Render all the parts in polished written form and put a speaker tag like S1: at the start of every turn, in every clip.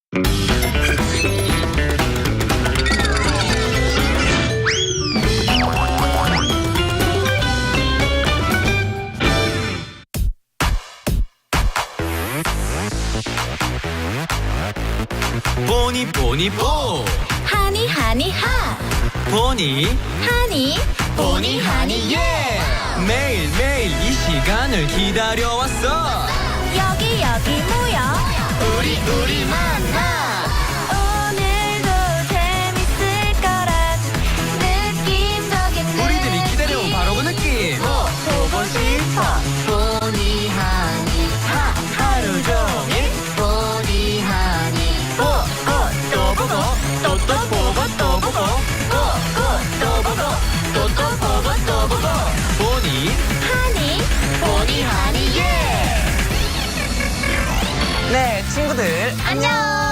S1: 보니 보니 보
S2: 하니 하니 하
S1: 보니
S2: 하니 보니 하니
S1: 예 매일매일 이 시간을 기다려왔어
S2: 여기 모여 우리 만나 오늘도 재밌을 거란 느낌적인
S1: 우리들이 기다려온 바로 그 느낌
S2: 보고 싶어 보니 하니 하
S1: 하루 종일
S2: 보니 하니
S1: 또 보고 또 보고 또 보고
S2: 또 보고 또 보고
S1: 보니
S2: 보니 하니 예
S1: 네 친구들
S2: 안녕.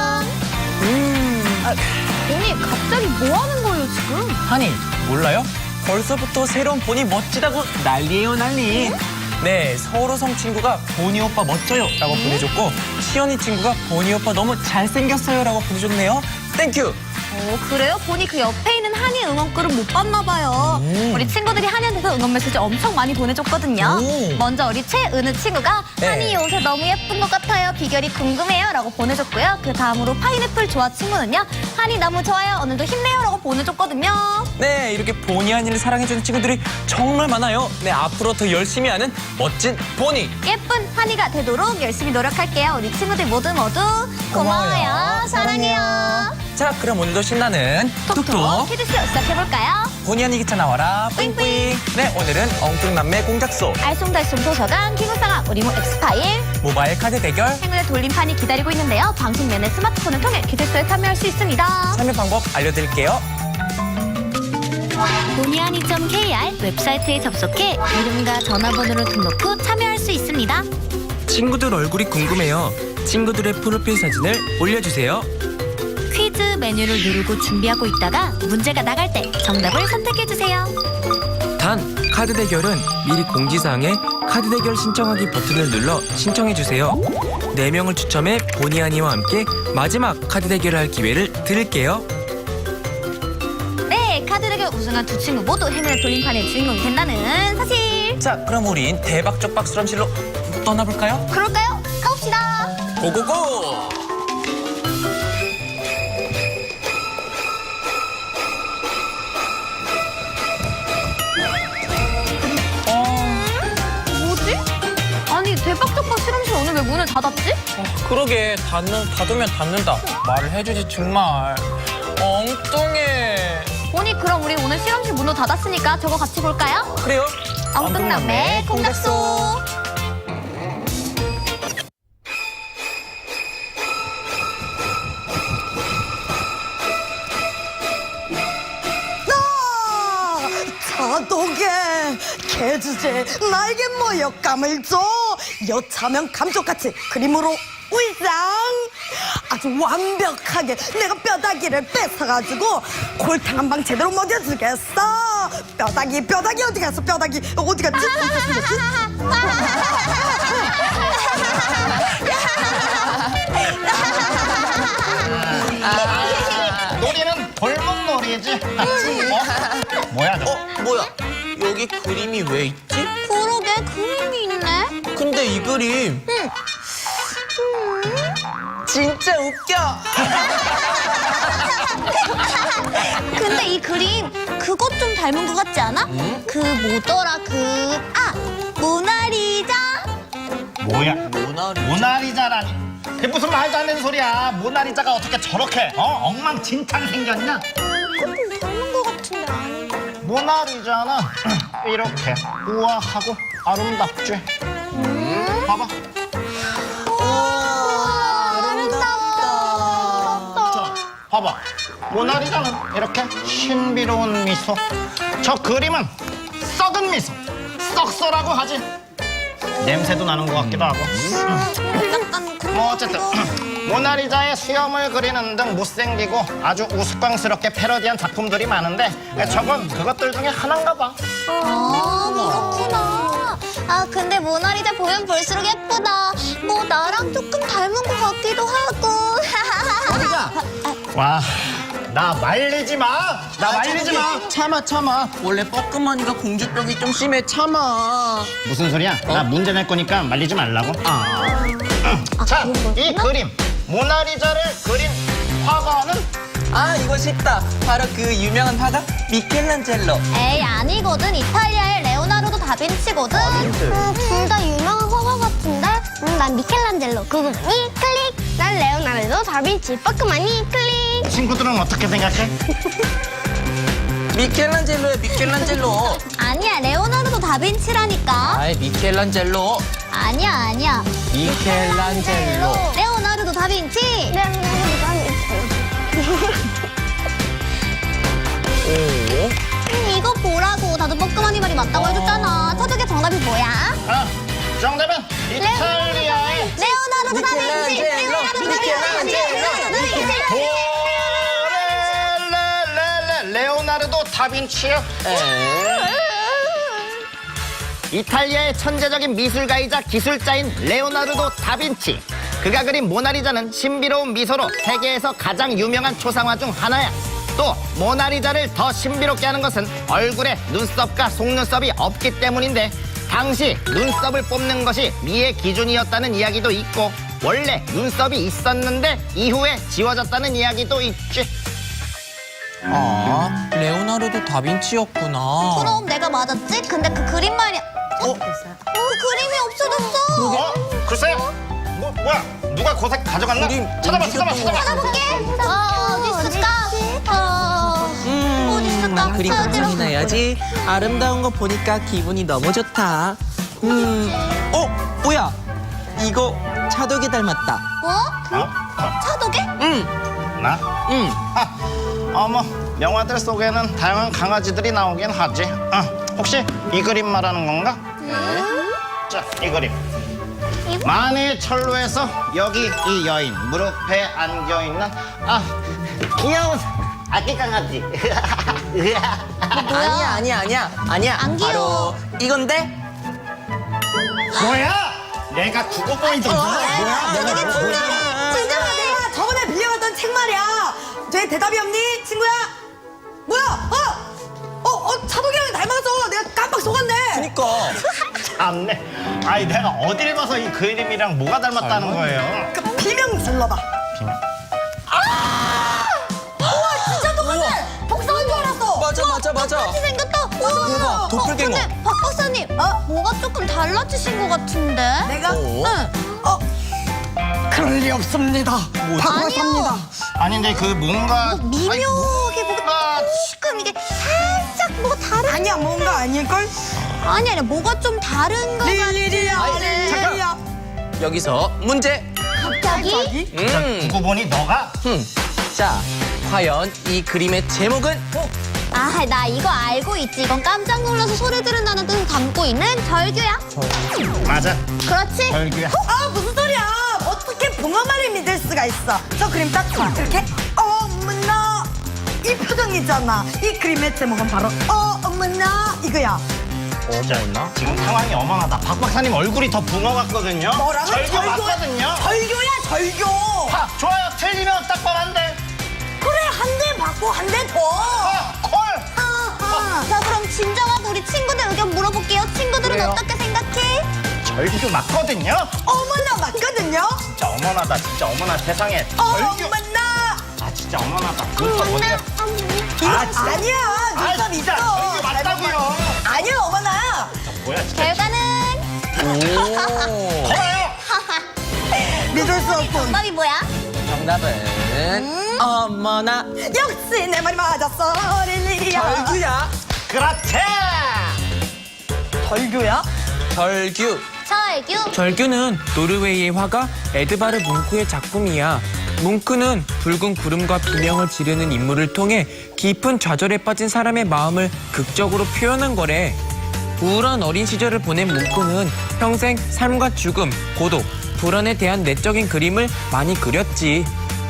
S2: 보니 갑자기 뭐 하는 거예요 지금?
S1: 하니 몰라요? 벌써부터 새로운 보니 멋지다고 난리예요 난리 네 서울호성 친구가 보니 오빠 멋져요 라고 보내줬고 시연이 친구가 보니 오빠 너무 잘생겼어요 라고 보내줬네요 땡큐
S2: 그래요? 보니 그 옆에 있는 한이 응원글은 못 봤나 봐요. 우리 친구들이 한이한테서 응원 메시지 엄청 많이 보내줬거든요. 먼저 우리 최은우 친구가
S1: 네.
S2: 한이 옷에 너무 예쁜 것 같아요. 비결이 궁금해요 라고 보내줬고요. 그 다음으로 파인애플 조아 친구는요. 한이 너무 좋아요. 오늘도 힘내요 라고 보내줬거든요.
S1: 네 이렇게 보니 한이를 사랑해주는 친구들이 정말 많아요 네 앞으로 더 열심히 하는 멋진 보니
S2: 예쁜 한이가 되도록 열심히 노력할게요. 우리 친구들 모두 고마워요. 사랑해요.
S1: 자 그럼 오늘도 신나는 톡톡
S2: 키즈쇼 시작해볼까요?
S1: 보니 한이 기차 나와라 뿌잉뿌잉 네 오늘은 엉뚱남매 공작소
S2: 알쏭달쏭 도서관 기무상학 우리모 엑스파일
S1: 모바일 카드 대결
S2: 행운의 돌림판이 기다리고 있는데요. 방송 내내 스마트폰을 통해 키즈쇼에 참여할 수 있습니다.
S1: 참여 방법 알려드릴게요
S2: 보니하니.kr 웹사이트에 접속해 이름과 전화번호를 등록 후 참여할 수 있습니다.
S1: 친구들 얼굴이 궁금해요 친구들의 프로필 사진을 올려주세요
S2: 퀴즈 메뉴를 누르고 준비하고 있다가 문제가 나갈 때 정답을 선택해주세요.
S1: 단 카드 대결은 미리 공지사항에 카드 대결 신청하기 버튼을 눌러 신청해주세요 4명을 추첨해 보니 한이와 함께 마지막 카드 대결을 할 기회를 드릴게요
S2: 네, 카드 대결 우승한 두 친구 모두 행운의 돌림판의 주인공이 된다는 사실.
S1: 자 그럼 우린 대박적 박수람실로 떠나볼까요?
S2: 그럴까요? 가봅시다.
S1: 고고고
S2: 뭐지? 아니 대박적박 실험실 오늘 왜 문을 닫았지?
S1: 그러게 닫으면 닫는다 말을 해주지 정말 엉뚱해
S2: 보니 그럼 우리 오늘 실험실 문도 닫았으니까 저거 같이 볼까요?
S1: 그래요?
S2: 엉뚱남매 공작소.
S3: 자독에 개주제 날개 모욕감을 줘 여차면 감쪽같이 그림으로 위장 아주 완벽하게 내가 뼈다귀를 뺏어가지고 골탕 한 방 제대로 먹여주겠어 뼈다귀 어디 갔어 뼈다귀 어디 갔지?
S4: 놀이는 골목놀이지. 뭐야 저거?
S1: 뭐야 여기 그림이 왜 있지?
S2: 그러게 그림이 있네.
S1: 근데 이 그림 진짜 웃겨
S2: 근데 이 그림 그것 좀 닮은 것 같지 않아? 그 뭐더라 모나리자.
S4: 뭐야? 모나리자라니. 그게 무슨 말도 안 되는 소리야. 모나리자가 어떻게 저렇게 엉망진창 생겼냐?
S2: 그것 좀 닮은 것 같은데 아닌가?
S4: 모나리자는 이렇게 우아하고 아름답지. 봐봐. 자, 봐봐. 모나리자는 이렇게 신비로운 미소. 저 그림은 썩은 미소. 썩소라고 하지. 냄새도 나는 것 같기도 하고. 뭐 어쨌든 모나리자의 수염을 그리는 등 못생기고 아주 우스꽝스럽게 패러디한 작품들이 많은데 저건 그것들 중에 하나인가 봐.
S2: 그렇구나. 근데 모나리자 보면 볼수록 예쁘다. 뭐 나랑 조금 닮은 것 같기도 하고.
S4: 와, 나 말리지 마. 나 말리지 마.
S1: 참아. 원래 뻐끔하니까 공주병이 좀 심해. 참아.
S4: 무슨 소리야? 나 문제 낼 거니까 말리지 말라고. 자, 이 그림 모나리자를 그린 화가는
S1: 이거 쉽다. 바로 그 유명한 화가 미켈란젤로.
S2: 에이, 아니거든. 이탈리아의 레오나르도 다빈치거든.
S5: 둘 다 유명한 화가 같은데? 난 미켈란젤로. 그분이 클릭. 난 레오나르도 다빈치. 빠끄마니 클릭.
S4: 친구들은 어떻게 생각해?
S1: 미켈란젤로.
S2: 아니야, 레오나르도 다빈치라니까.
S1: 아이, 미켈란젤로.
S2: 아니야.
S1: 미켈란젤로.
S2: 레오나르도 다빈치.
S5: 레오나르도 다빈치.
S1: 오.
S2: 이거 보라고. 나도 뻐끔하니 말이 맞다고 해줬잖아. 터득의 정답이 뭐야?
S4: 정답은 이탈리아의
S2: 레오나르도 다빈치.
S4: 레오나르도 다빈치요. 이탈리아의 천재적인 미술가이자 기술자인 레오나르도 다빈치. 그가 그린 모나리자는 신비로운 미소로 세계에서 가장 유명한 초상화 중 하나야. 또 모나리자를 더 신비롭게 하는 것은 얼굴에 눈썹과 속눈썹이 없기 때문인데, 당시 눈썹을 뽑는 것이 미의 기준이었다는 이야기도 있고, 원래 눈썹이 있었는데 이후에 지워졌다는 이야기도 있지.
S1: 레오나르도 다빈치였구나.
S2: 그럼 내가 맞았지? 근데 그 그림 말이야. 그 그림이 없어졌어.
S4: 글쎄, 뭐야? 누가 고색 가져갔나?
S1: 그림
S4: 찾아봐.
S2: 찾아볼게. 어디 있을까? 어디 있을까?
S1: 그림
S2: 찾으러.
S1: 감상해야지. 아름다운 거 보니까 기분이 너무 좋다. 뭐야? 이거 차독이 닮았다.
S2: 뭐? 차도개?
S4: 나?
S1: 응.
S4: 어머, 영화들 속에는 다양한 강아지들이 나오긴 하지. 혹시 이 그림 말하는 건가? 자, 이 그림. 만해의 철로에서 여기 이 여인 무릎에 안겨 있는 귀여운 아기 강아지.
S1: 아니야.
S2: 안 귀여워.
S1: 바로 이건데?
S4: 뭐야? 내가 국어 포인트 뭐야?
S3: 진정아, 내가 저번에 빌려갔던 책 말이야. 쟤 대답이 없니, 친구야? 뭐야? 차도기 형이 닮아서 내가 깜빡 속았네.
S1: 그니까.
S4: 참네. 아니, 내가 어딜 봐서 이 그림이랑 뭐가 닮았다는 거예요?
S3: 그 비명 질러봐. 우와, 진짜 똑같네. 복사한 줄 알았어.
S1: 맞아.
S2: 똑같이 생겼다. 우와.
S1: 대박, 도플갱어.
S2: 근데 박 박사님, 뭐가 조금 달라지신 것 같은데?
S3: 내가?
S2: 응.
S3: 그럴 리 없습니다. 박박사입니다.
S4: 아니, 근데 그 뭔가
S2: 미묘하게 뭐가 지금 이게 살짝 뭐가 다른.
S3: 아니야, 뭔가 아닐걸?
S2: 아니 뭐가 좀 다른 거 같아.
S3: 릴리야.
S1: 여기서 문제.
S2: 갑자기?
S4: 국어 보니 너가?
S1: 자, 과연 이 그림의 제목은?
S2: 나 이거 알고 있지. 이건 깜짝 놀라서 소리 지른다는 뜻을 담고 있는 절규야.
S4: 맞아.
S2: 그렇지?
S4: 절규야.
S3: 무슨 소리야? 어떻게 붕어말을 믿을 수가 있어? 저 그림 딱 봐. 이렇게 어머나 이 표정이잖아. 이 그림의 제목은 바로 어머나 이거야.
S1: 어머나?
S4: 지금 상황이 어머나다. 박 박사님 얼굴이 더 붕어 같거든요.
S3: 뭐라고?
S4: 절규 맞거든요.
S3: 절교야 절교.
S4: 좋아요. 틀리면 딱 뻔한데.
S3: 그래 한 대 받고 한 대 더.
S4: 콜.
S2: 자 그럼 진정하고 우리 친구들 의견 물어볼게요. 친구들은
S1: 그래요.
S2: 어떻게 생각해?
S4: 절규 맞거든요.
S3: 어머나 맞거든요.
S4: 진짜 어머나다. 진짜 어머나 세상에. 절규.
S3: 어머나.
S4: 진짜 어머나다. 눈썹 어디가? 진짜.
S3: 아니야 눈썹
S4: 진짜
S3: 있어.
S4: 절규 맞다고요.
S3: 아니야 어머나.
S4: 뭐야 진짜.
S2: 결과는
S4: 거봐요.
S3: 믿을 수 없군.
S2: 정답이 뭐야?
S1: 정답은 어머나
S3: 역시 내 말이 맞았어. 릴리야.
S1: 절규야.
S4: 그렇지.
S3: 절교야?
S1: 절규.
S2: 절규.
S1: 절규는 노르웨이의 화가 에드바르 뭉크의 작품이야. 뭉크는 붉은 구름과 비명을 지르는 인물을 통해 깊은 좌절에 빠진 사람의 마음을 극적으로 표현한 거래. 우울한 어린 시절을 보낸 뭉크는 평생 삶과 죽음, 고독, 불안에 대한 내적인 그림을 많이 그렸지.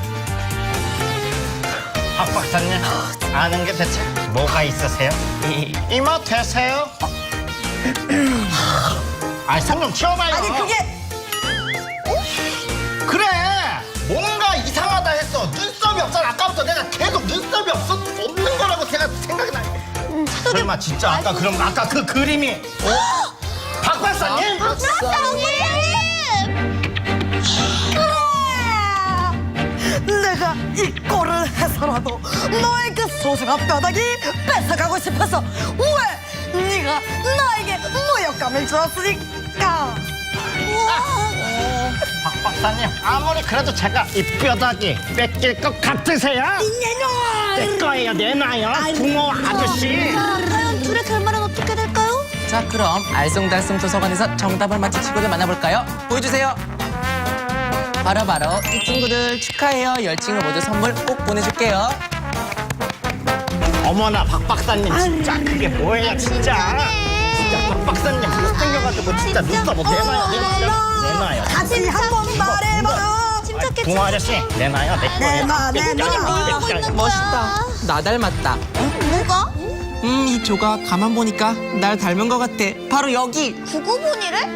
S4: 박 박사님 아는 게 대체 뭐가 있으세요? 이모 되세요? 손 좀 치워봐요.
S3: 아니 그게
S4: 그래 뭔가 이상하다 했어. 눈썹이 없잖아. 아까부터 설마 진짜 아까 그 그림이 박 박사님?
S3: 내가 이 꼴을 해서라도 너의 그 소중한 뼈다귀 뺏어가고 싶어서 왜 네가 나에게 모욕감을 주었으니까.
S4: 박 박사님 아무리 그래도 제가 이 뼈다귀 뺏길 것 같으세요? 내 거예요 내놔요 붕어 아저씨.
S2: 과연 둘의 결말은 어떻게 될까요?
S1: 자, 그럼 알쏭달쏭 도서관에서 정답을 맞힌 친구들 만나볼까요? 보여주세요. 바로 이 친구들 축하해요. 10친구 모두 선물 꼭 보내줄게요.
S4: 어머나 박 박사님 진짜 그게 뭐예요 진짜. 진짜 박 박사님 못생겨가지고 진짜 눈썹 못 내놔요.
S3: 다시 한번 말해봐요.
S2: 침착해.
S4: 붕어 아저씨 내놔요 내 거예요.
S3: 내놔.
S1: 멋있다. 나 닮았다.
S2: 뭐가?
S1: 이 조각 가만 보니까 날 닮은 것 같아. 바로 여기.
S2: 구구본이래?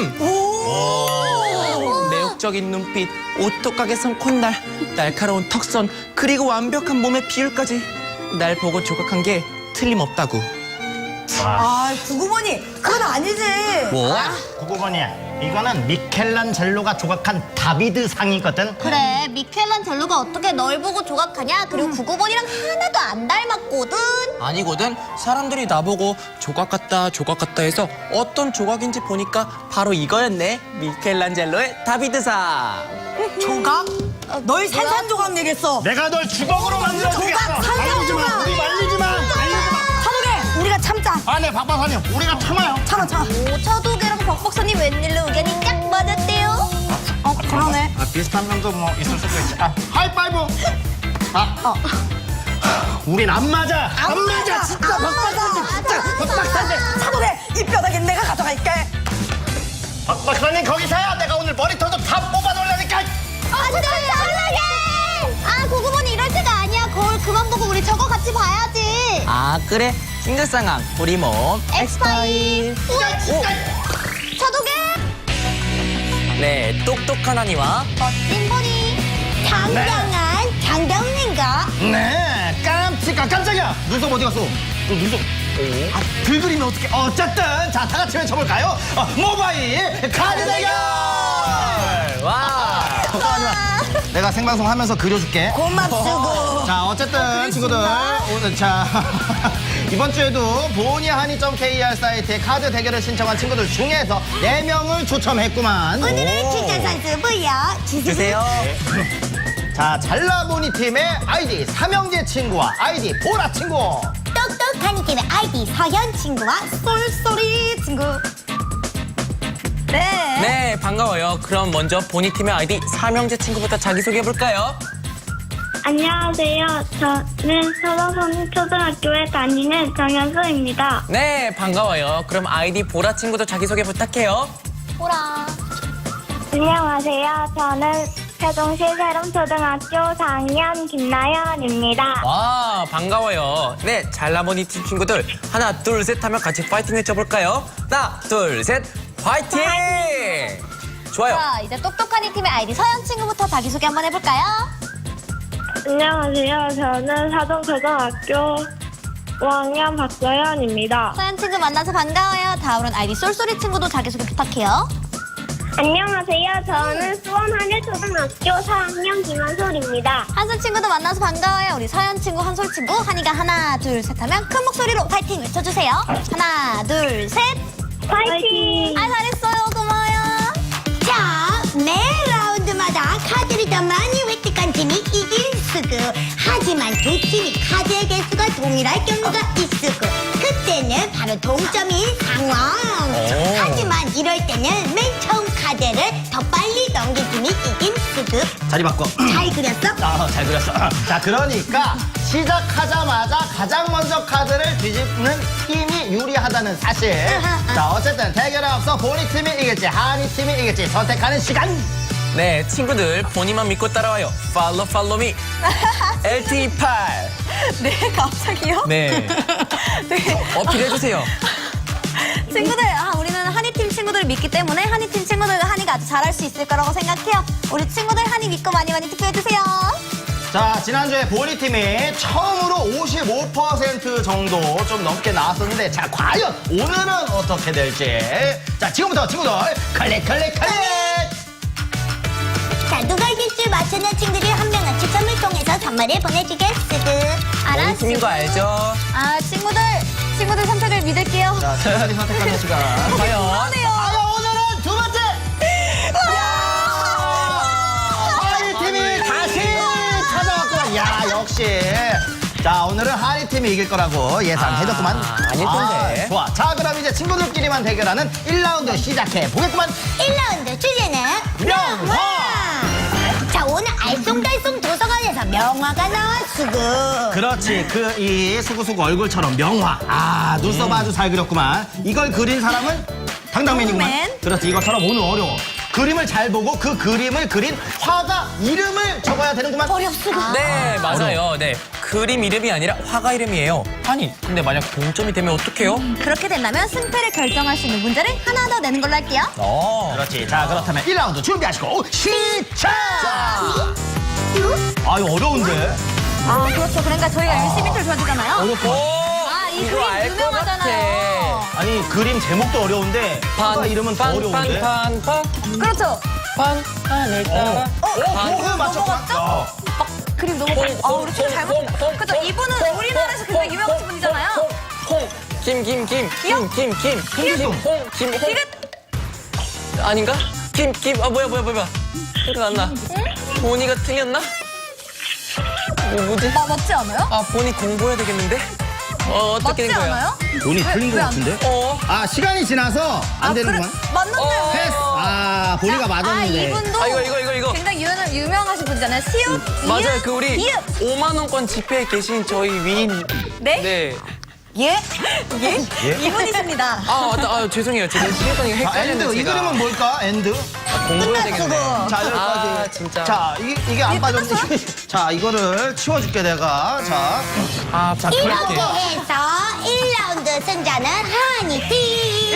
S1: 매혹적인 눈빛, 오똑하게 선 콧날, 날카로운 턱선, 그리고 완벽한 몸의 비율까지 날 보고 조각한 게 틀림없다고.
S3: 아, 구구머니 그건 아니지.
S1: 뭐?
S4: 9번이야. 이거는 미켈란젤로가 조각한 다비드 상이거든.
S2: 그래, 미켈란젤로가 어떻게 널 보고 조각하냐? 그리고 구구본이랑 하나도 안 닮았거든.
S1: 아니거든. 사람들이 나보고 조각 같다 해서 어떤 조각인지 보니까 바로 이거였네. 미켈란젤로의 다비드상.
S3: 조각? 널 산산조각 내겠어.
S4: 내가 널 주걱으로 만들어주겠어.
S3: 조각 산산조각.
S4: 우리 말리지 마.
S3: 차도개 우리가 참자.
S4: 네, 박 박사님 우리가 참아요.
S3: 참아.
S2: 오, 차도계랑 박 박사님 웬일로 의견이 딱 맞았대요?
S3: 그러네.
S4: 비슷한 점도 뭐 있을 수도 있지. 하이파이브. 우린 안 맞아. 안 맞아. 진짜 박 박사님 진짜. 박 박사님.
S3: 차도개 이 뼈다귀 내가 가져갈게.
S4: 박 박사님 거기서야 내가 오늘 머리털도 다 뽑아 놓으려니까.
S2: 아, 구구본이 이럴 때가 아니야. 거울 그만 보고 우리 저거 같이 봐야지.
S1: 아, 그래. 싱글상황 우리 몸 엑스파일.
S2: 차도계
S1: 네, 똑똑한 아니와
S2: 멋진 본이 당당한 장병님과
S4: 네, 깜짝이야. 눈썹 어디 갔어? 눈썹. 들그리면 어떻게? 어쨌든 자, 다 같이 외쳐볼까요? 모바일 카드 대결.
S1: 와.
S4: 내가 생방송 하면서 그려줄게.
S3: 고맙수고.
S4: 자, 어쨌든 친구들 오늘 자 이번 주에도 보니하니.kr 사이트에 카드 대결을 신청한 친구들 중에서 4명을 추첨했구만.
S3: 오늘의 추천 선수 뭐야?
S1: 주세요.
S4: 자, 잘라보니 팀의 아이디 삼형제 친구와 아이디 보라 친구.
S3: 똑똑한 팀의 아이디 서현 친구와 쏠쏠이 친구.
S1: 네, 반가워요. 그럼 먼저 보니팀의 아이디 삼형제 친구부터 자기소개해볼까요?
S5: 안녕하세요. 저는 서서성 초등학교에 다니는 정현수입니다.
S1: 네, 반가워요. 그럼 아이디 보라 친구도 자기소개 부탁해요.
S2: 보라.
S5: 안녕하세요. 저는 세종시 세롬초등학교 4학년 김나연입니다.
S1: 와, 반가워요. 네, 잘라보니 팀 친구들 하나, 둘, 셋 하면 같이 파이팅 외쳐볼까요? 하나, 둘, 셋, 파이팅! 좋아요.
S2: 자, 이제 똑똑한 이 팀의 아이디 서현 친구부터 자기소개 한번 해볼까요?
S5: 안녕하세요. 저는 사동초등학교 5학년 박서연입니다.
S2: 서현 친구 만나서 반가워요. 다음으로는 아이디 쏠쏠이 친구도 자기소개 부탁해요.
S5: 안녕하세요. 저는 수원 한일초등학교 4학년 김한솔입니다.
S2: 한솔 친구도 만나서 반가워요. 우리 서현 친구, 한솔 친구, 한이가 하나, 둘, 셋 하면 큰 목소리로 파이팅 외쳐주세요. 하나, 둘, 셋.
S5: 파이팅!
S2: 아, 잘했어요. 고마워요.
S3: 자, 매 라운드마다 카드를 더 많이 획득한 팀이 이길 수고. 하지만 두 팀이 카드의 개수가 동일할 경우가 있으고. 그때는 바로 동점인 상황. 하지만 이럴 때는 맨 처음 카드를 더 빨리 넘긴 팀이 이긴 수고.
S4: 자리 바꿔.
S3: 잘 그렸어?
S4: 잘 그렸어. 자, 그러니까 시작하자마자 가장 먼저 카드를 뒤집는 팀이 유리하다는 사실. 자, 어쨌든 대결에 앞서 보니 팀이 이길지 하니 팀이 이길지 선택하는 시간.
S1: 네, 친구들 본인만 믿고 따라와요. 팔로우 미. LT8.
S2: 네, 갑자기요?
S1: 네. 어필해주세요.
S2: 친구들, 우리는 한이팀 친구들을 믿기 때문에 한이팀 친구들과 한이가 아주 잘할 수 있을 거라고 생각해요. 우리 친구들 한이 믿고 많이 투표해주세요.
S4: 자, 지난주에 보니팀이 처음으로 55% 정도 좀 넘게 나왔었는데, 자, 과연 오늘은 어떻게 될지. 자, 지금부터 친구들, 클릭!
S5: 자, 누가 이길지 맞추는 친구들이 한 명은 추첨을 통해서 선물을 보내주겠으드.
S1: 우리 팀인 거 알죠?
S2: 아, 친구들 선택을 믿을게요.
S4: 자, 친구들이 선택하는 시간.
S1: 과연?
S4: 오늘은 두 번째! 하리팀이 다시 찾아왔구만. 야, 역시. 자, 오늘은 하리팀이 이길 거라고 예상해줬구만.
S1: 아닐 텐데.
S4: 좋아. 자, 그럼 이제 친구들끼리만 대결하는 1라운드 시작해 보겠구만.
S5: 1라운드 주제는
S4: 명화!
S5: 자, 오늘 알쏭달쏭 도서관에서 명화가 나왔으고.
S4: 그렇지. 이 수구수구 얼굴처럼 명화. 아, 눈썹 아주 잘 그렸구만. 이걸 그린 사람은 당당맨이구만.
S2: 당당맨.
S4: 그렇지. 이것처럼 오늘 어려워. 그림을 잘 보고 그 그림을 그린 화가 이름을 적어야 되는구만.
S5: 어렵수가.
S1: 네, 맞아요. 네. 그림 이름이 아니라 화가 이름이에요. 아니, 근데 만약 동점이 되면 어떡해요?
S2: 그렇게 된다면 승패를 결정할 수 있는 문제를 하나 더 내는 걸로 할게요.
S4: 그렇지. 자, 그렇다면 1라운드 준비하시고 시작! 아, 이거 어려운데?
S2: 아, 그렇죠. 그러니까 저희가 열심히 힌트를 줘야 되잖아요.
S1: 어렵고.
S2: 아, 이
S1: 이거
S2: 그림
S1: 알것
S2: 유명하잖아요.
S4: 아니, 그림 제목도 어려운데 화가 이름은 더 어려운데?
S2: 그렇죠.
S1: 하늘 따라.
S4: 그거 맞췄어.
S2: 그림 너무 아, 우리 친구 잘못. 그렇죠. 이분은 우리나라에서 굉장히 유명하신 분이잖아요.
S1: 김.
S2: 디귿.
S1: 아닌가? 아, 뭐야. 생각 안 나. 보니가 틀렸나? 뭐지?
S2: 맞지 않아요?
S1: 아, 보니 공부해야 되겠는데? 어떻게
S2: 맞지
S1: 된 거야?
S2: 않아요?
S4: 돈이 틀린 것
S2: 왜 안
S4: 같은데?
S1: 어.
S4: 아, 시간이 지나서 안 되는구만.
S2: 맞는데.
S4: 패스. 아, 보니가
S2: 아,
S4: 맞았는데.
S2: 이분도
S1: 아, 이거.
S2: 굉장히 유명하신 분이잖아요. 시옷,
S1: 맞아요.
S2: 이읒,
S1: 그 우리
S2: 이읒.
S1: 5만 원권 지폐에 계신 저희 위인.
S2: 네?
S1: 네.
S2: 예?
S4: 예?
S2: 이분이십니다.
S1: 아, 맞다. 아, 죄송해요. 제가 시간이
S4: 자,
S1: 헷갈렸는데.
S4: 엔드. 이
S1: 제가.
S4: 그림은 뭘까? 엔드.
S1: 공부해야 되겠네.
S4: 자, 여기까지.
S1: 아, 진짜.
S4: 자, 이게 안 빠졌는데. 자, 이거를 치워줄게, 내가. 자.
S1: 아, 자,
S5: 이렇게
S1: 그렇게.
S5: 해서 1라운드 승자는 하니팀.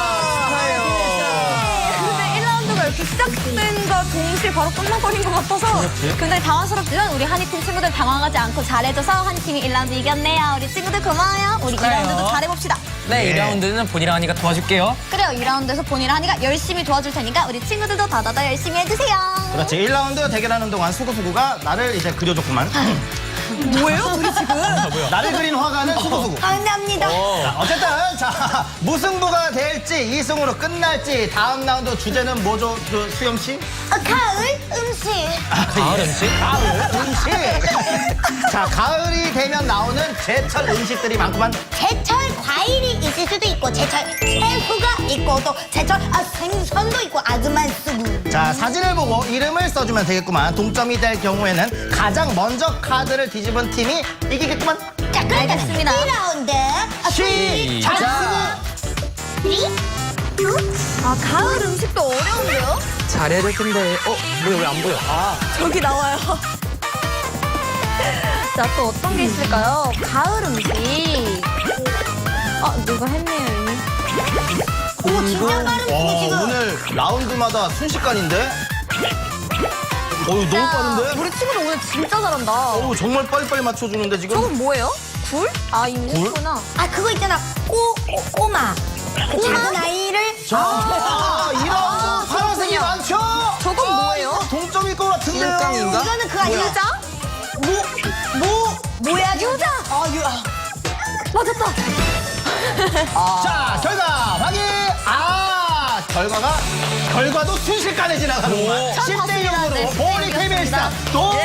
S2: 근데 1라운드가 이렇게 시작된과 동시에 바로 끝나버린 것 같아서 굉장히 당황스럽지만 우리 한이팀 친구들 당황하지 않고 잘해줘서 한이팀이 1라운드 이겼네요. 우리 친구들 고마워요. 우리
S1: 축하해요.
S2: 2라운드도 잘해봅시다.
S1: 네,
S4: 예.
S1: 2라운드는 본이랑 하니까 도와줄게요.
S2: 그래요. 2라운드에서 본이랑 한이가 열심히 도와줄 테니까 우리 친구들도 더더더 열심히 해주세요.
S4: 그렇지. 1라운드 대결하는 동안 수구수구가 나를 이제 그려줬구만.
S2: 뭐예요? 둘이 지금?
S4: 나를 그린 화가는 수구수구.
S5: 감사합니다.
S4: 자, 어쨌든 자, 무승부가 될지 이승으로 끝날지 다음 라운드 주제는 뭐죠, 수영 씨?
S5: 가을 음식.
S1: 가을 음식?
S4: 가을 음식. 자, 가을이 되면 나오는 제철 음식들이 많구만.
S5: 제철 과일이 있을 수도 있고 제철 채소가 있고 또 제철 생선도 있고 아주 많습니다.
S4: 자, 사진을 보고 이름을 써주면 되겠구만. 동점이 될 경우에는 가장 먼저 카드를 뒤집은 팀이 이기겠구만.
S5: 자, 그럼
S2: 알겠습니다.
S5: 1라운드
S4: 시작!
S2: 아, 가을 음식도 어려운데요?
S1: 잘해야 될 텐데. 뭐야, 왜 안 보여? 아,
S2: 저기 나와요. 자, 또 어떤 게 있을까요? 가을 음식. 누가 했네요, 이미.
S5: 오, 진짜 가을 음식이 지금.
S4: 오늘 라운드마다 순식간인데? 너무 빠른데?
S2: 우리 친구들 오늘 진짜 잘한다.
S4: 정말 빨리빨리 맞춰주는데 지금?
S2: 저건 뭐예요? 굴? 아, 이미
S4: 굴?
S2: 했구나.
S5: 그거 있잖아. 꼬마. 그 작은 아이를.
S4: 자, 이런 파란색이
S2: 그렇군요.
S4: 많죠?
S2: 저건 뭐예요?
S4: 이거 동점일 것 같은데요?
S1: 일감인가?
S5: 이거는 그거 아니야.
S2: 유자?
S5: 뭐야?
S2: 유자! 맞았다.
S4: 자, 결과 확인! 결과도 순식간에 지나가는구만.
S1: 오.
S4: 10대 0으로
S2: 네,
S4: 보니 KBS 동점!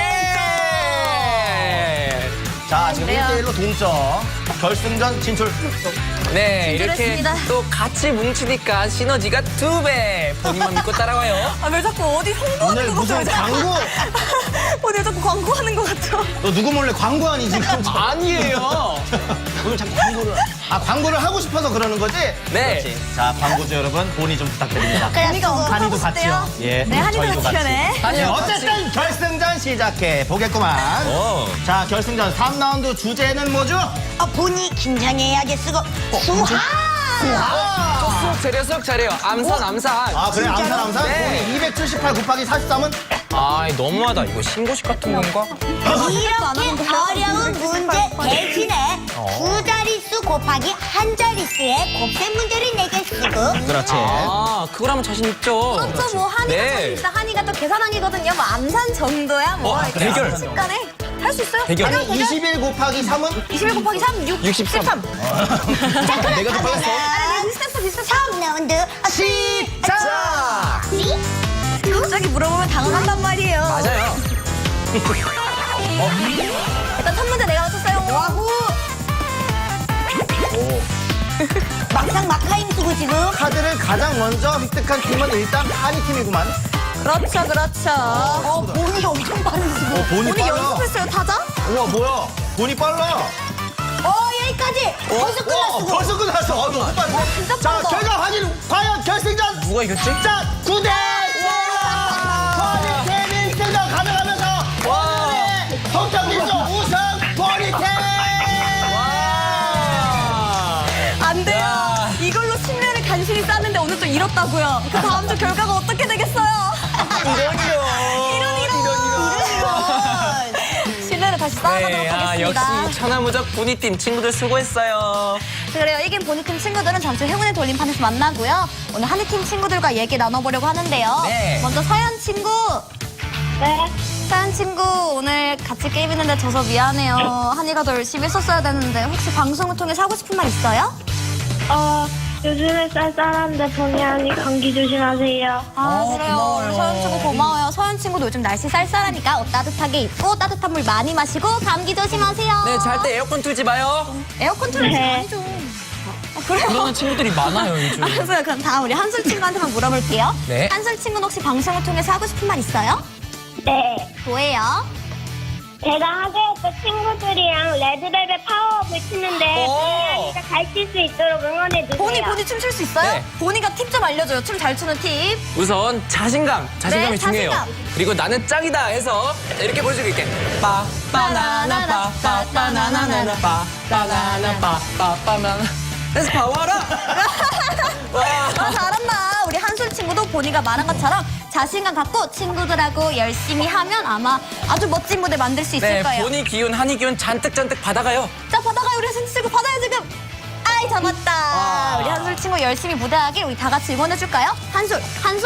S4: 자, 지금
S2: 그래요.
S4: 1대1로 동점. 결승전 진출.
S1: 네, 이렇게
S2: 진출했습니다.
S1: 또 같이 뭉치니까 시너지가 2배. 본인만 믿고 따라와요.
S2: 왜 자꾸 어디 홍보하는
S4: 오늘 무슨 광고?
S2: 어디 자꾸 광고하는 것 같죠?
S4: 너 누구 몰래 광고 아니 지금?
S1: 아니에요.
S4: 오늘 자꾸 광고를 하고 싶어서 그러는 거지?
S1: 네.
S4: 그렇지. 자, 광고주 여러분 본의 좀 부탁드립니다.
S2: 한이가
S4: 한이도 같이요. 예.
S2: 네, 한이도
S4: 저희도
S2: 같이 하네.
S4: 네, 어쨌든 결승전 시작해 보겠구만. 자, 결승전 3라운드 주제는 뭐죠?
S5: 본이 긴장해야겠어. 수학.
S1: 쑥 잘해요, 쑥 잘해요. 암산, 암산.
S4: 아 그래 암산 암산?
S1: 네.
S4: 본이 278 곱하기 43은?
S1: 아, 너무하다. 이거 신고식 같은 건가?
S5: 이렇게 어려운 문제 대신에 두 자릿수 곱하기 한 자릿수의 곱셈 문제를 내겠으고
S4: 그렇지.
S1: 아, 그걸 하면 자신 있죠.
S2: 그렇죠. 뭐 한이가
S1: 네.
S2: 자신 있어. 한이가 또 계산왕이거든요. 뭐 암산 정도야. 뭐 이렇게
S1: 대결.
S2: 순식간에 할 수 있어요.
S1: 대결.
S2: 대결.
S4: 21 곱하기 3은?
S2: 21 곱하기 3,
S1: 63.
S4: 내가 더 빨랐어.
S2: 비슷했어, 비슷했어.
S5: 3라운드
S1: 자!
S2: 갑자기 물어보면 당황한단 말이에요.
S1: 맞아요.
S2: 일단 첫 문제 내가 맞췄어요. 와후.
S5: 막상 막하임 쓰고 지금
S4: 카드를 가장 먼저 획득한 팀은 일단 한이 팀이구만.
S2: 그렇죠, 그렇죠.
S5: 본이 엄청 빠르시고
S4: 본이
S2: 오늘
S4: 빨라.
S2: 연습했어요, 타자?
S4: 우와 뭐야? 본이 빨라.
S5: 여기까지 벌써 끝났어
S4: 벌써 끝났어. 너무 빨라.
S2: 진짜
S4: 자
S2: 빠르다.
S4: 결과 확인. 과연 결승전.
S1: 누가 이겼지?
S4: 자 9대. 버니 팀이 1승을 가져가면서 오늘의 성적일조 우승 버니 팀.
S2: 안 돼요.
S1: 야.
S2: 이걸로 신뢰를 간신히 쌓는데 오늘 또 잃었다고요. 그 다음 주 결과가 어떻게 되겠어요? 이런. 신뢰를 다시 쌓아가도록
S1: 네, 아,
S2: 하겠습니다.
S1: 역시 천하무적 보니팀 친구들 수고했어요.
S2: 그래요. 이긴 보니팀 친구들은 잠시 후 행운의 돌림판에서 만나고요. 오늘 한이팀 친구들과 얘기 나눠보려고 하는데요.
S1: 네.
S2: 먼저 서연 친구.
S5: 네
S2: 서연 친구 오늘 같이 게임했는데 져서 미안해요. 한이가 더 열심히 했었어야 되는데 혹시 방송을 통해서 하고 싶은 말 있어요?
S6: 요즘에 쌀쌀한데 본의 아니 감기 조심하세요.
S2: 아 그래요.
S1: 고마워요.
S2: 우리 서연 친구 고마워요. 서연 친구도 요즘 날씨 쌀쌀하니까 옷 따뜻하게 입고 따뜻한 물 많이 마시고 감기 조심하세요.
S1: 네, 잘 때 에어컨 틀지 마요.
S2: 에어컨 틀지
S6: 네.
S2: 많이 좀. 그래요?
S1: 그러는 친구들이 많아요, 요즘.
S2: 알았어요. 그럼 다음 우리 한솔 친구한테만 물어볼게요.
S1: 네.
S2: 한솔 친구는 혹시 방송을 통해서 하고 싶은 말 있어요?
S6: 네.
S2: 뭐예요?
S6: 제가 학교에서 친구들이랑 레드벨벳 파워업을 치는데
S1: 오.
S6: 본의 아니가 잘 칠 수 있도록 응원해주세요.
S2: 보니 춤출 수 있어요?
S1: 네.
S2: 보니가 팁 좀 알려줘요. 춤 잘 추는 팁.
S1: 우선 자신감이
S2: 네,
S1: 중요해요.
S2: 자신감.
S1: 그리고 나는 짱이다 해서 이렇게 보여주고 있게. 빠 바나나 빠 바나나나나 빠 바나나 빠 바나나. 그래서 봐와라.
S2: 아, 잘한다. 우리 한솔 친구도 보니가 말한 것처럼 자신감 갖고 친구들하고 열심히 하면 아마 아주 멋진 무대 만들 수 있을
S1: 네,
S2: 거예요.
S1: 보니 기운, 한이 기운 잔뜩 받아가요.
S2: 자, 받아가요. 우리 한솔 친구 받아요, 지금. 아이, 잡았다.
S1: 와.
S2: 우리 한솔 친구 열심히 무대하길 우리 다 같이 응원해줄까요? 한솔,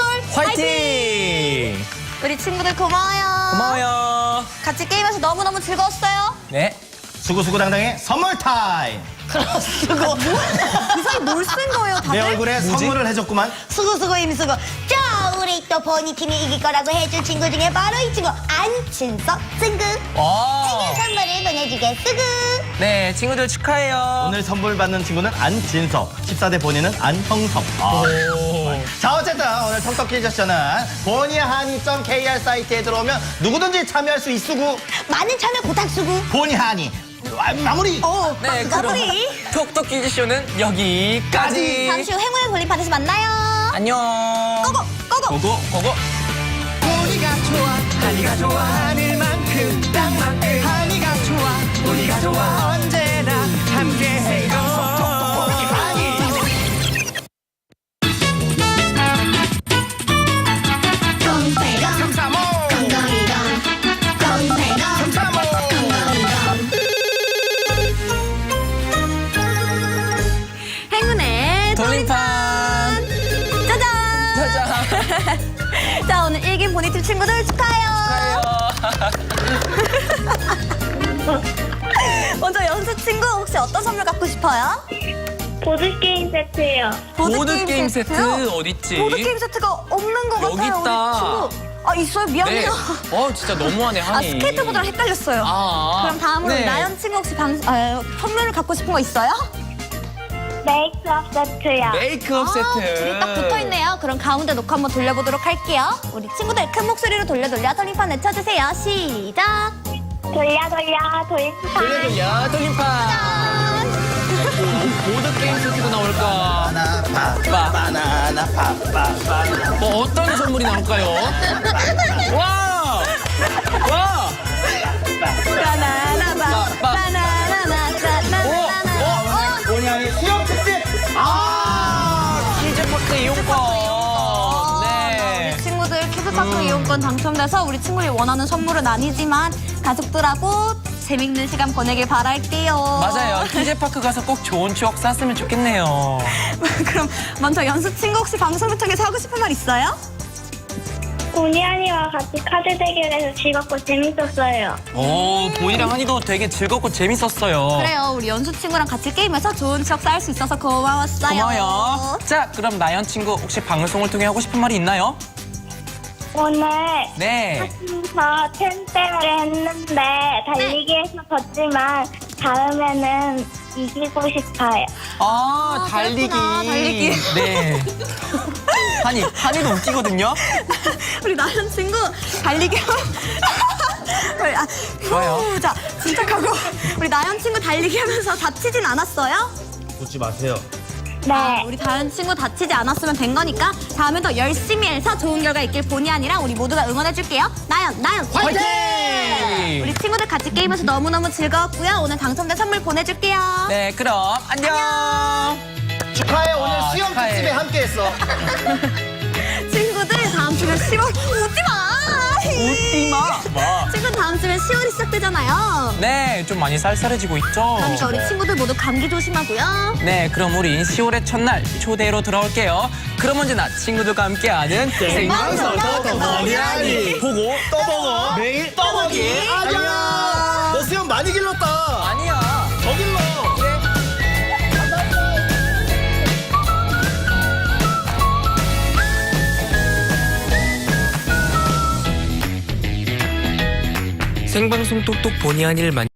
S1: 화이팅!
S2: 우리 친구들 고마워요.
S1: 고마워요.
S2: 같이 게임해서 너무너무 즐거웠어요.
S1: 네.
S4: 수고수고당당의 선물 타임.
S2: 이 사이 뭘 쓴 거예요, 다들?
S4: 내 얼굴에
S1: 뭐지?
S4: 선물을 해줬구만.
S5: 수고 힘쓰고 자 우리 또 보니 팀이 이길 거라고 해준 친구 중에 바로 이 친구 안친석 친구
S1: 와.
S5: 선물을 보내주겠으구
S1: 네, 친구들 축하해요.
S4: 오늘 선물 받는 친구는 안진석, 14대 본인은 안형섭.
S1: 오.
S4: 자 어쨌든 오늘 톡톡 퀴즈 세션은 보니하니.kr 사이트에 들어오면 누구든지 참여할 수 있으고
S5: 많은 참여 부탁수구
S4: 보니하니 마무리.
S1: 네, 그럼
S2: 마무리.
S1: 톡톡 퀴즈쇼는 여기까지.
S2: 잠시 후 행운의 돌림판에서 만나요.
S1: 안녕.
S2: 고고, 고고.
S1: 고고. 보니가 좋아, 한이가 좋아, 하늘만큼 땅만큼. 한이가 좋아, 보니가 좋아, 언제나 함께해요.
S2: 행운의
S1: 돌림판.
S2: 짜잔.
S1: 짜잔.
S2: 자, 오늘 일긴 보니팀 친구들 축하해요. 먼저 연수 친구 혹시 어떤 선물 갖고 싶어요?
S6: 보드게임 세트요.
S1: 보드게임 세트
S2: 세트요?
S1: 어딨지?
S2: 보드게임 세트가 없는 것
S1: 여기
S2: 같아요.
S1: 있다.
S2: 우리 친구. 아, 있어요?
S1: 네.
S2: 미안해요.
S1: 진짜 너무하네,
S2: 아,
S1: 한이.
S2: 스케이트보드랑 헷갈렸어요. 그럼 다음으로
S1: 네.
S2: 나연 친구 혹시 선물을 갖고 싶은 거 있어요?
S6: 메이크업 세트요.
S1: 메이크업 세트.
S2: 둘이 딱 붙어있네요. 그럼 가운데 놓고 한번 돌려보도록 할게요. 우리 친구들 큰 목소리로 돌려 돌림판 외쳐주세요. 시작.
S6: 돌려 돌림판.
S1: 돌림판. 보드게임 세트가 나올까?
S4: 바나나 파파파.
S1: 어떤 선물이 나올까요? 와! 와!
S2: 바나나바 바나나나
S4: 보니하니 수영 특집.
S2: 입장권 당첨돼서 우리 친구들이 원하는 선물은 아니지만 가족들하고 재밌는 시간 보내길 바랄게요.
S1: 맞아요. TJ파크 가서 꼭 좋은 추억 쌓았으면 좋겠네요.
S2: 그럼 먼저 연수 친구 혹시 방송을 통해서 하고 싶은 말 있어요?
S6: 보니 언니와 같이 카드 대결해서 즐겁고 재밌었어요.
S1: 오, 보이랑 한이도 되게 즐겁고 재밌었어요.
S2: 그래요. 우리 연수 친구랑 같이 게임해서 좋은 추억 쌓을 수 있어서 고마웠어요.
S1: 고마워요. 자, 그럼 나연 친구 혹시 방송을 통해 하고 싶은 말이 있나요?
S6: 오늘
S1: 네.
S6: 하면서 텐트를 했는데 달리기에서 졌지만 다음에는 이기고 싶어요.
S1: 아, 달리기.
S2: 그렇구나, 달리기.
S1: 네. 한이도 웃기거든요.
S2: 우리 나연 친구 달리기
S1: 좋아요.
S2: 자, 침착하고 우리 나연 친구 달리기 하면서 다치진 않았어요?
S7: 웃지 마세요.
S6: 네.
S2: 우리 다현 친구 다치지 않았으면 된 거니까 다음에 더 열심히 해서 좋은 결과 있길 본의 아니라 우리 모두가 응원해줄게요. 나연
S1: 화이팅!
S2: 우리 친구들 같이 게임해서 너무너무 즐거웠고요. 오늘 당첨된 선물 보내줄게요.
S1: 네, 그럼 안녕.
S7: 축하해. 오늘 수영
S1: 축하해.
S7: 특집에 함께했어.
S2: 친구들 다음 주면 10월 웃지 마.
S1: 웃지 마. 뭐?
S2: 친구 다음 주면 10월이 시작되잖아요.
S1: 네, 좀 많이 쌀쌀해지고 있죠.
S2: 그러니까 우리 친구들 모두 감기 조심하고요.
S1: 네, 그럼 우리 10월의 첫날 초대로 돌아올게요. 그럼 언제나 친구들과 함께하는 생방송
S7: 머리 아니.
S1: 보고
S7: 떠먹어. 매일 떠먹이. 안녕. 너 수영 많이 길렀다.
S1: 아니야.
S7: 더 길러.
S1: 생방송 똑똑 본의 아니를